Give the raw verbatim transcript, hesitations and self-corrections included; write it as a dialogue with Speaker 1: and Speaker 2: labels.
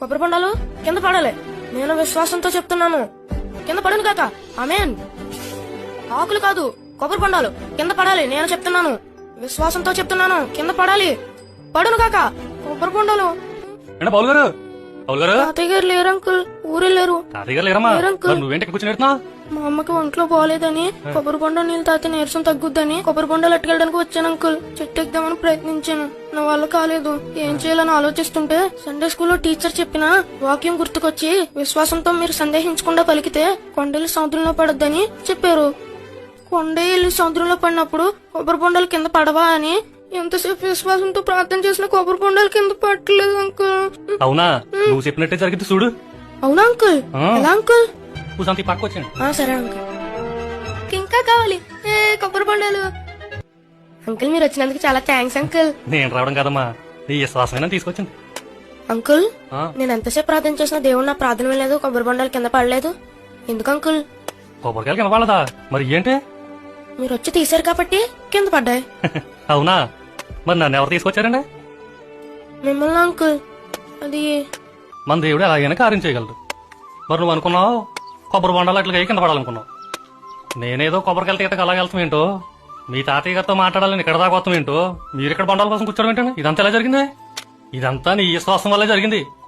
Speaker 1: కొబ్బరి బొండాలు కింద పడాలి. నేను విశ్వాసంతో చెప్తున్నాను, కింద పడును కాక. ఆమేన్. ఆకులు కాదు, కొబ్బరి బొండాలు కింద పడాలి. నేను చెప్తున్నాను, విశ్వాసంతో చెప్తున్నాను, కింద పడాలి. పడును కాక కొబ్బరి బొండాలు.
Speaker 2: పౌల్ గారు, పౌల్ గారు,
Speaker 1: తాతయ్య గారు లేరు అంకుల్, ఊరెళ్ళారు.
Speaker 2: తాతయ్య గారు లేరమ్మా?
Speaker 1: లేరు అంకుల్.
Speaker 2: నువ్వేంటి కూర్చొని
Speaker 1: మా అమ్మకి ఒంట్లో బాగాలేదని కొబ్బరి బొండ నీళ్ళు తాగితే నీరసం తగ్గుద్దని కొబ్బరి బొండాలు అట్టుకెళ్ళడానికి వచ్చాను అంకుల్. చెట్టు ఎక్కుదామని ప్రయత్నించాను, నా వల్ల కాలేదు. ఏం చేయాలని ఆలోచిస్తుంటే సండే స్కూల్లో టీచర్ చెప్పిన వాక్యం గుర్తుకొచ్చి, విశ్వాసంతో మీరు సందేహించకుండా పలికితే కొండలు సముద్రంలో పడొద్దని చెప్పారు. కొండే వెళ్ళి సముద్రంలో పడినప్పుడు కొబ్బరి బొండాలు కింద పడవా అని ఎంతసేపు విశ్వాసంతో ప్రార్థన చేసిన కొబ్బరి బొండాలు కింద పట్టలేదు అంకుల్.
Speaker 2: అవునా? నువ్వు చెప్పినట్టే జరిగింది చూడు.
Speaker 1: అవునా అంకుల్? ఎలా అంకుల్?
Speaker 2: కూసంతి పట్టుకొచ్చాను.
Speaker 1: సరే అంకుల్. ఇంకా కావాలి ఏ కొబ్బరి బొండాలు. అంకుల్ మీరు వచ్చినందుకు చాలా థ్యాంక్స్ అంకుల్.
Speaker 2: నేను రావడం కదమ్మా, నీ విశ్వాసమైనా తీసుకొచ్చింది.
Speaker 1: అంకుల్ నేను ఎంతసేపు ప్రార్థన చేసినా దేవుడు నా ప్రార్థన వినలేదు, కొబ్బరి బొండాలు కింద పడలేదు. ఎందుకు అంకుల్?
Speaker 2: కొబ్బరికాయలు కింద పడదా? మరి ఏంటి?
Speaker 1: మీరు వచ్చి తీశారు కాబట్టి కింద పడ్డాయి.
Speaker 2: అవునా? మరి నన్ను ఎవరు తీసుకొచ్చారండి?
Speaker 1: మిమ్మల్ని అంకుల్. అది
Speaker 2: మన దేవుడు అలాగైనా కార్యం చేయగలడు. మరి నువ్వు అనుకున్నావు కొబ్బరి బొండాలు అట్లా కింద పడాలనుకున్నావు. నేనేదో కొబ్బరికాయలు తీయటకు అలాగ వెళ్తాం ఏంటో, మీ తాతయ్య గారితో మాట్లాడాలని ఇక్కడ దాకా వస్తాం ఏంటో, మీరు ఇక్కడ బొండాల కోసం కూర్చోడం ఏంటండి? ఇదంతా ఎలా జరిగింది? ఇదంతా నీ విశ్వాసం వల్లే జరిగింది.